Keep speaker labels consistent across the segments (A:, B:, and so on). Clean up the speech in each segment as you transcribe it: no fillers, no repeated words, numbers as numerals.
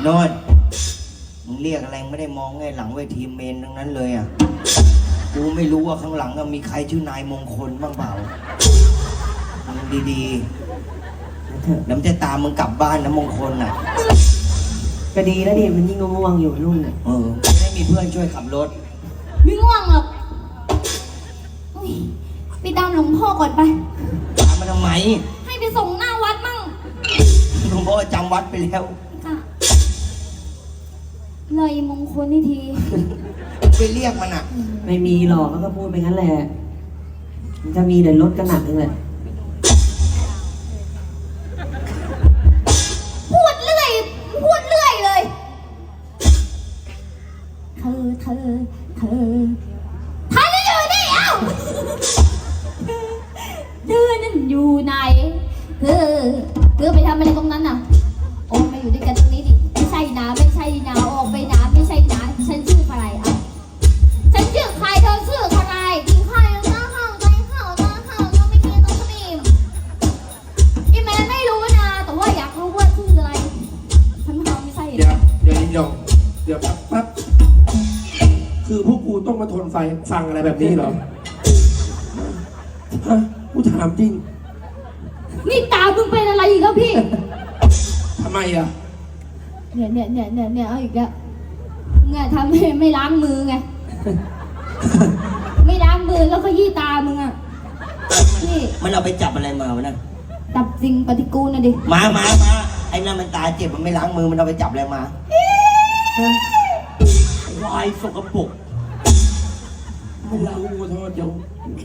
A: โน่นมึงเรียกอะไรไม่ได้มองไงหลังเวทีเมนทั้งนั้นเลยอ่ะกูไม่รู้ว่าข้างหลังมีใครชื่อนายมงคลบ้างเปล่ามึงดีๆน้ำจะตามมึงกลับบ้านนะมงคลอ่ะ
B: ก็ดีแล้วดิมันยิ่งง่วงอยู่รุ่น
A: จะได้มีเพื่อนช่วยขับรถ
C: ไม่ง่วงหรอกไปตามหลวงพ่อก่อนไป
A: ตามมาทำไม
C: ให้ไปส่งหน้าวัดมั่ง
A: หลวงพ่อจำวัดไปแล้ว
C: เลยมงคลนี่ที
A: ไปเรียกมันอ่ะ
B: ไม่มีหรอกแล้วก็พูดไปงั้นแหละมันจะมีแต่รถกระหนักนึงแหละ
C: พูดเรื่อยเลยเธออยู่นี่เอ้าเธอนั่นอยู่ไหนเธอไปทำอะไรตรงนั้นน่ะโอ้มาอยู่ด้วยกันตรงนี้ดิไม่ใช่นะออกไปนะไม่ใช่นะฉันชื่อใครอ่ะฉันชื่อใครเธอชื่อใครกินข้าวยังข้าวใจข้าวยังไม่กินต้องสนิมอีแม่ไม่รู้นะแต่ว่าอยากรู้ว่าชื่ออะไรฉันไม่ใช่
D: เดี๋ยวแป๊บคือพวกกูต้องมาทนฟังอะไรแบบนี้เหรอฮะกูถามจริง
C: นี่ตามึงเป็นอะไรอีกแล้วพี่
D: ทำไมอ่ะ
C: เนี่ยเอาอีกแล้วเนี่ยทำให้ไม่ล้างมือไงไม่ล้างมือแล้วก็ยี่ตามึงอ่ะนี่
A: มันเอาไปจับอะไรมาวะนั่น
C: จับสิ่งปฏิกูลนะดิ
A: มาไอ้นั่นมันตาเจ็บมันไม่ล้างมือมันเอาไปจับอะไรมาวายสกปรก
D: ไม่ล้างมือโทษเดี๋ยว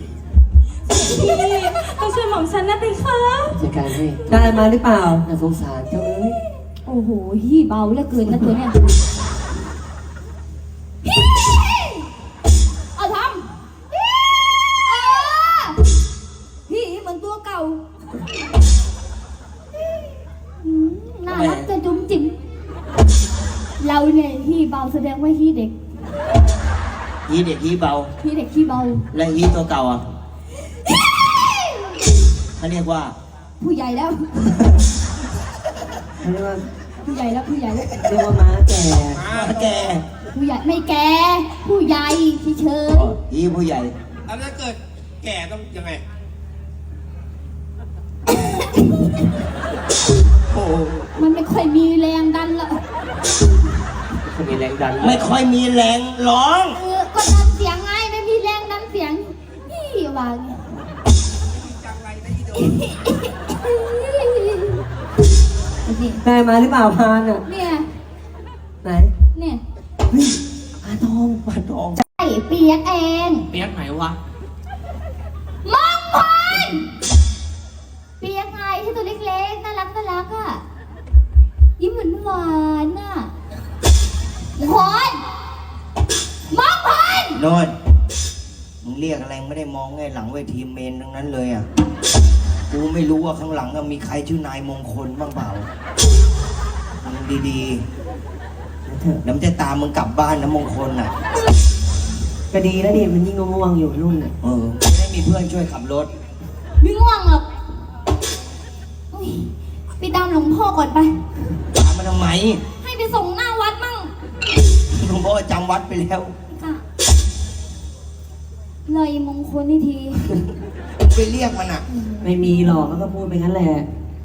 C: ต้องช่วยหม่อมฉันนะติคะ
B: จัดการให้ได้มาหรือเปล่าน่าสงสารเจ้าเอ้ย
C: โอ้โหฮี่เบาเหลือเกินนะตัวเนี้ยเอาทำฮี่เหมือนตัวเก่าน่ารักจะจุ๋มจิ๋มเราเนี่ยฮี่เบาแสดงว่าฮี่เด็ก
A: ฮี่เด็กฮี่เบาและฮี่ตัวเก่าอ่ะเขาเรียกว่า
C: ผู้ใหญ่แล้ว
B: เขาเรียกว่า
C: ผู้ใหญ่แล้ว
B: เรียกว่าม้าแก่
C: ผู้ใหญ่ไม่แก่ผู้ใหญ่เฉย
A: ฮี่ผู้ใหญ่
D: แล้วถ้าเกิดแก่ต้องยังไง
C: มันไม่ค่อยมีแรงดันละ
B: ไม่มีแรงดัน
A: ไม่ค่อยมีแรงร้อง
C: ก็ดันเสียงไงไม่มีแรงดันเสียงนี่วาง
B: ได้มาหรือเปล่าพานอ่ะ
C: เนี่ย
B: ไหน
C: เนี่ย
B: ปลาทอง
C: ใช่เปียกเอง
D: เปียกไหนวะ
C: มองพรเปียกไงที่ตัวเล็กๆน่ารักอ่ะยิ้มหวานอ่ะพรมองพร
A: โน่นมึงเรียกอะไรไม่ได้มองไงหลังเวทีเมนทั้งนั้นเลยอ่ะกูไม่รู้ว่าข้างหลังมีใครชื่อนายมงคลบ้างเปล่ามึงดีๆน้ำจะตามมึงกลับบ้านนะมงคลอ่ะ
B: ก็ดีแล้วดิมันยิ่งง่วงอยู่รุ่น
A: จะได้มีเพื่อนช่วยขับรถ
C: ไม่ง่วงหรอกไปตามหลวงพ่อก่อนไป
A: ตามมาทำไม
C: ให้ไปส่งหน้าวัดมั่ง
A: หลวงพ่อจำวัดไปแล้ว
C: เลยมงคลนี่ที
A: ไปเรียกมันอ่ะ
B: ไม่มีหรอกแล้วก็พูดไปงั้นแหละ